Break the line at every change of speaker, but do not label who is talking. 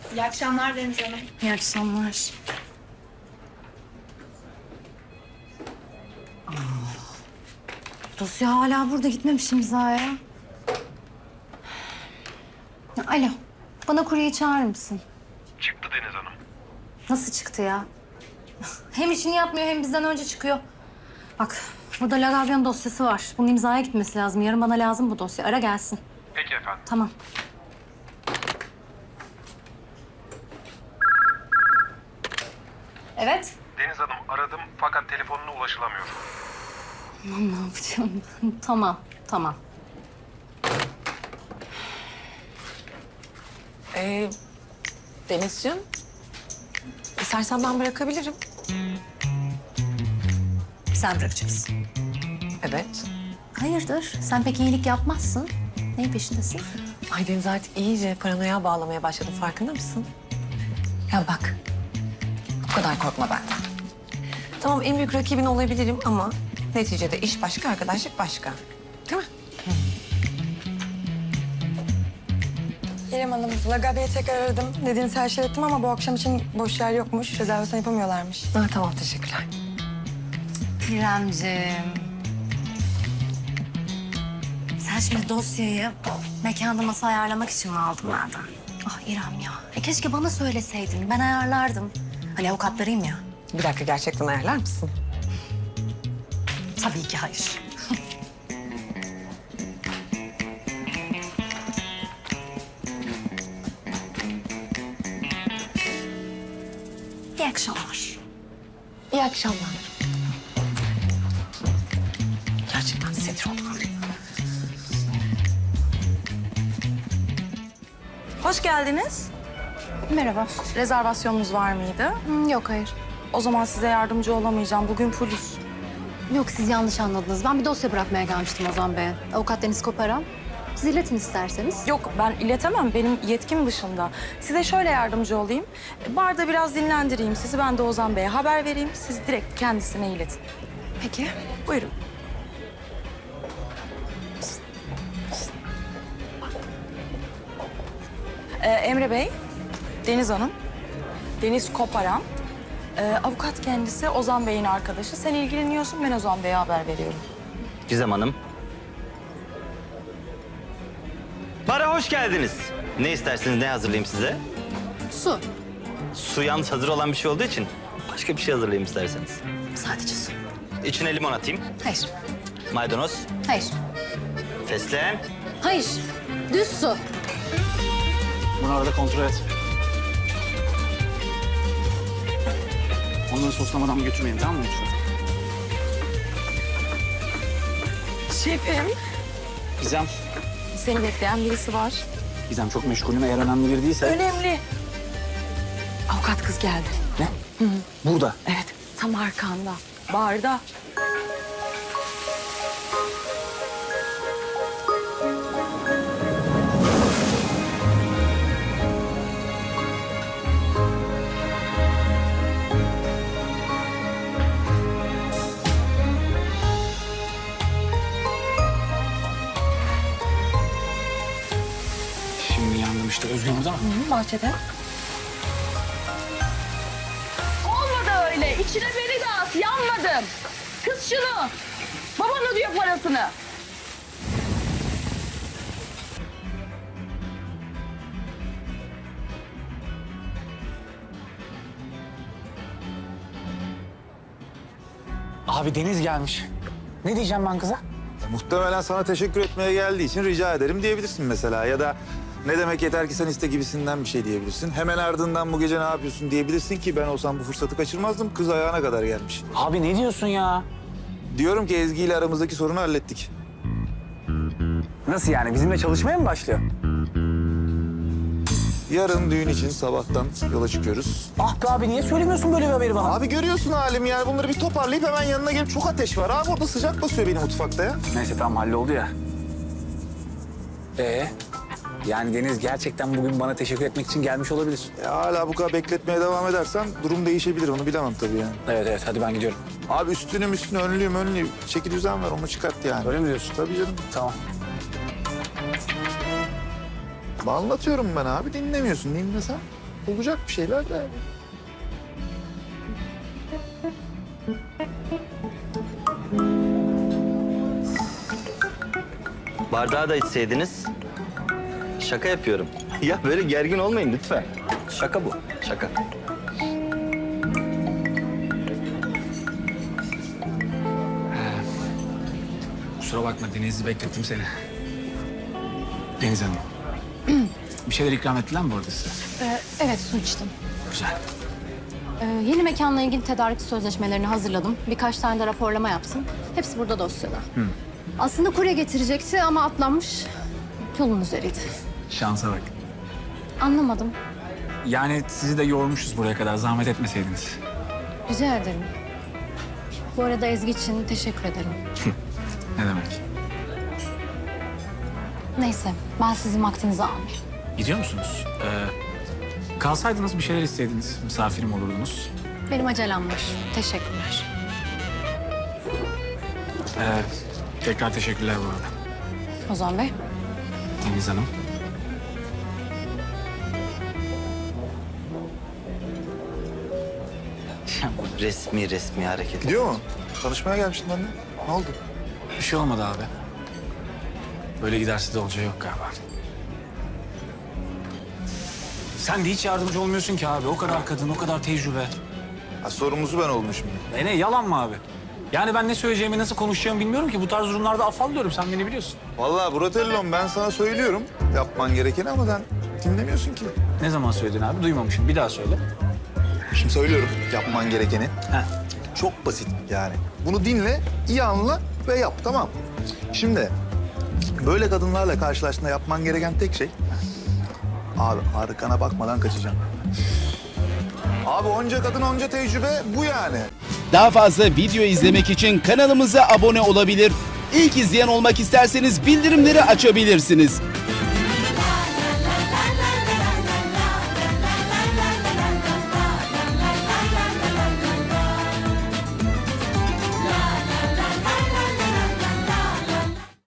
İyi akşamlar Deniz Hanım.
İyi akşamlar. Dosya hala burada, gitmemiş imzaya. Alo, bana kuryeyi çağırır mısın?
Çıktı Deniz Hanım.
Nasıl çıktı ya? Hem işini yapmıyor hem bizden önce çıkıyor. Bak, burada Lagavyon dosyası var. Bunun imzaya gitmesi lazım. Yarın bana lazım bu dosya. Ara gelsin.
Peki efendim.
Tamam. Evet.
Deniz Hanım aradım fakat telefonuna ulaşılamıyor.
Aman, ne yapacağım ben? Tamam, tamam.
Denizciğim, istersen ben bırakabilirim.
Sen bırakacaksın.
Evet.
Hayırdır? Sen pek iyilik yapmazsın. Neyin peşindesin?
Ay Deniz artık iyice paranoya bağlamaya başladım. Farkında mısın? Ya bak, bu kadar korkma benden. Tamam en büyük rakibin olabilirim ama neticede iş başka, arkadaşlık başka. Değil mi?
İrem Hanım, Lagabya'yı tekrar aradım. Dediğiniz her şeyi ettim ama bu akşam için boş yer yokmuş. Rezervasyon yapamıyorlarmış.
Ha, tamam teşekkürler.
İremciğim. Sen şimdi dosyayı mekanda masa ayarlamak için mi aldın benden? Ah İrem ya. Keşke bana söyleseydin. Ben ayarlardım. Hani avukatlarıyım ya.
Bir dakika gerçekten ayarlar mısın?
Tabii ki hayır. İyi akşamlar.
İyi akşamlar. Gerçekten sinir oldum.
Hoş geldiniz.
Merhaba.
Rezervasyonunuz var mıydı?
Yok hayır.
O zaman size yardımcı olamayacağım. Bugün polis.
Yok siz yanlış anladınız. Ben bir dosya bırakmaya gelmiştim Ozan Bey'e. Avukat Deniz Koparan. Siz iletin isterseniz.
Yok, ben iletemem. Benim yetkim dışında. Size şöyle yardımcı olayım. Barda biraz dinlendireyim sizi. Ben de Ozan Bey'e haber vereyim. Siz direkt kendisine iletin.
Peki.
Buyurun. Emre Bey, Deniz Hanım, Deniz Koparan. Avukat kendisi Ozan Bey'in arkadaşı. Sen ilgileniyorsun, ben Ozan Bey'e haber veriyorum.
Gizem Hanım. Bara hoş geldiniz. Ne isterseniz ne hazırlayayım size?
Su.
Su yalnız hazır olan bir şey olduğu için başka bir şey hazırlayayım isterseniz.
Sadece su.
İçine limon atayım.
Hayır.
Maydanoz,
Hayır.
fesleğen.
Hayır. Düz su.
Bunu arada kontrol et. Onları soslamadan götürmeyin, tamam mı lütfen?
Şefim.
Gizem,
Seni bekleyen birisi var.
Gizem çok meşgulüm. Eğer önemli biri değilse...
Önemli. Avukat kız geldi.
Ne? Burada.
Evet, tam arkanda. Barda.
Şimdi yandım işte. Özgür burada mı?
Bahçede.
Olmadı öyle. İçine beni de at. Yanmadım. Kız şunu. Baban ödüyor parasını.
Abi Deniz gelmiş. Ne diyeceğim ben kıza?
Muhtemelen sana teşekkür etmeye geldiği için rica ederim diyebilirsin mesela. Ya da ne demek yeter ki sen iste gibisinden bir şey diyebilirsin. Hemen ardından bu gece ne yapıyorsun diyebilirsin ki ben olsam bu fırsatı kaçırmazdım. Kız ayağına kadar gelmiş.
Abi ne diyorsun ya?
Diyorum ki Ezgi ile aramızdaki sorunu hallettik.
Nasıl yani? Bizimle çalışmaya mı başlıyor?
Yarın düğün için sabahtan yola çıkıyoruz.
Ah be abi niye söylemiyorsun böyle bir haberi bana?
Abi görüyorsun halim yani bunları bir toparlayıp hemen yanına gelip çok ateş var. Abi orada sıcak basıyor benim mutfakta ya.
Neyse tamam halloldu ya. Yani Deniz gerçekten bugün bana teşekkür etmek için gelmiş olabilir.
Ya hala bu kadar bekletmeye devam edersen durum değişebilir onu bilemem tabii yani.
Evet hadi ben gidiyorum.
Abi üstünüm önlüğüm. Çeki düzen ver onu çıkart yani.
Öyle mi diyorsun?
Tabii canım.
Tamam.
Anlatıyorum ben abi dinlemiyorsun dinlesen. Olacak bir şeyler de.
Bardağı da içseydiniz. Şaka yapıyorum. Ya böyle gergin olmayın lütfen. Şaka bu, şaka.
Kusura bakma Deniz'i beklettim seni. Deniz Hanım. Bir şeyler ikram ettiler mi bu arada size?
Evet, su içtim.
Güzel.
Yeni mekanla ilgili tedarik sözleşmelerini hazırladım. Birkaç tane de raporlama yaptım. Hepsi burada dosyada. Aslında kurye getirecekti ama atlanmış. Yolun üzeriydi.
Şansa bak.
Anlamadım.
Yani sizi de yormuşuz buraya kadar. Zahmet etmeseydiniz.
Rica ederim. Bu arada Ezgi için teşekkür ederim.
Ne demek?
Neyse, ben sizin vaktinizi almayayım.
Gidiyor musunuz? Kalsaydınız bir şeyler isteydiniz. Misafirim olurdunuz.
Benim acelem var. Teşekkürler.
Tekrar teşekkürler bu arada.
Ozan Bey.
Deniz Hanım.
Resmi hareket.
Gidiyor mu? Tanışmaya gelmiştin anne. Ne oldu?
Bir şey olmadı abi. Böyle giderse de olacağı yok galiba. Sen de hiç yardımcı olmuyorsun ki abi. O kadar kadın, o kadar tecrübe.
Ha, sorumlusu ben oldum şimdi.
Ne yalan mı abi? Yani ben ne söyleyeceğimi, nasıl konuşacağımı bilmiyorum ki. Bu tarz durumlarda afallıyorum. Sen beni biliyorsun.
Vallahi Bratello'm ben sana söylüyorum yapman gerekeni ama sen dinlemiyorsun ki.
Ne zaman söyledin abi? Duymamışım. Bir daha söyle.
Şimdi söylüyorum yapman gerekeni.
Heh.
Çok basit yani. Bunu dinle, iyi anla ve yap, tamam. Şimdi böyle kadınlarla karşılaştığında yapman gereken tek şey... Abi arkana bakmadan kaçacaksın. Abi onca kadın onca tecrübe bu yani.
Daha fazla video izlemek için kanalımıza abone olabilir. İlk izleyen olmak isterseniz bildirimleri açabilirsiniz.